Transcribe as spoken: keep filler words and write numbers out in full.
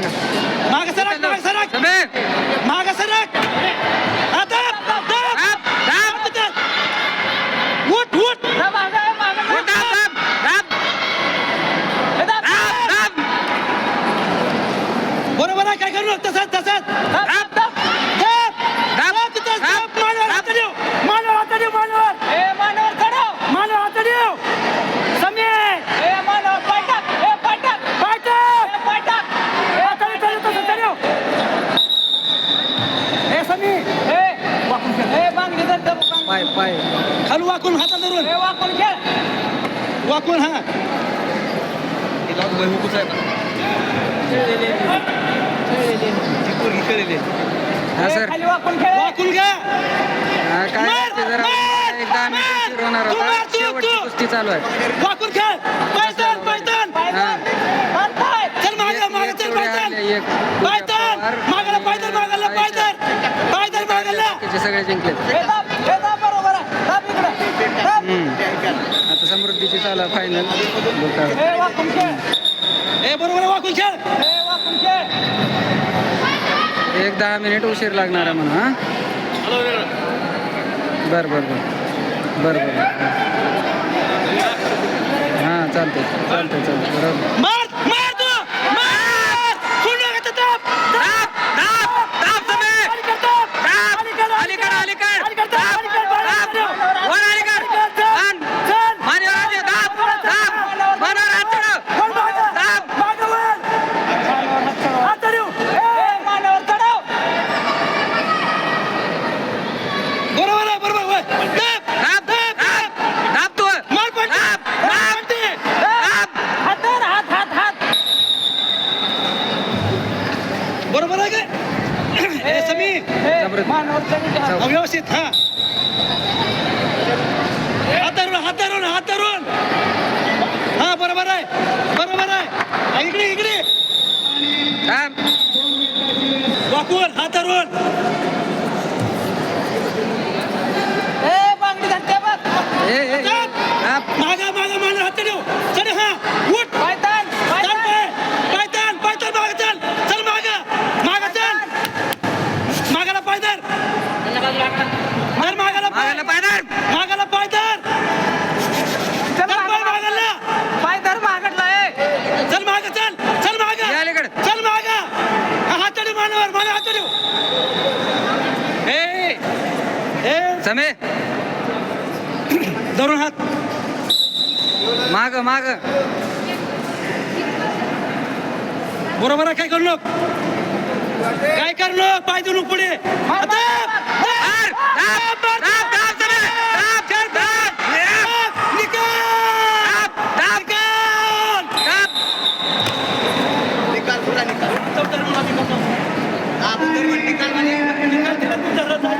सांगा. माग सरक माग सरक समे माग सरक आता उठ उठ दाब दाब दाब दाब. बरोबर आहे काय करू तसंच तसंच दाब दाब मानवर हात देऊ मानवर हात देऊ मानवर मानवर हात देऊ समी पाय पाय खालू वाकून हातात धरून वाकून हा हा सर वाकून घ्या हा, काय असते जरा एक दहा मिनिट सुरू होणार होता शेवटची कुस्ती चालू आहे. वाकून खेळ पैठण पैठण हा. चल मागे मागे चल पैठण एक पैठण मागायला पैठण मागायला पैठण पैठण मागायला बाकीचे सगळे जिंकले. आता समृद्धीची चालू आहे फायनल. ए बरोबर वाकून खेळ एक दहा मिनिट उशीर लागणार आहे म्हणून. हा बर बर बर बर बर हां चालतंय चालतंय चालतंय बरोबर. मार मार तू मार सोडू नका ते दाब दाब दाब दाब समे दाब अलीकडे अलीकडे अलीकडे दाब दाब वर अलीकडे मान मानवर हात दे दाब दाब मानवर हात चढव दाब मागवर हात चढव ए मानवर चढव बरोबर आहे बरोबर होय दाब दाब दाब दाब तू मार पण दाब दाब दाब हात हात हात हात बरोबर आहे काय ए समी समृद्धी व्यवस्थित हा हात धरून हात धरून हात धरून हा बरोबर आहे बरोबर आहे हा, इकडे इकडे दाब वाकून हात धरून ए ए दाब मागा मागा मागा हात देऊ चल हा उठ पायतान पायतान पायतान पायतान मागा चल चल मागा मागा चल मागाला पायदार मार मागाला मागायला पायदार मागाला पायदार चल मागाला पायदार मागटला ए चल मागा चल चल मागा या अलीकडे. चल मागा हा हात देऊ मानवर मागा हात देऊ ए ए समे धरून हात माग माग बरोबर आहे काय करू नको काय करू नको पाय देऊ नको पुढे मार, दाब दाब दाब दाब समे दाब चल दाब निकाल दाब निकाल दाब निकाल पुरा निकाल चौथ्या निकाल निकाल निकाल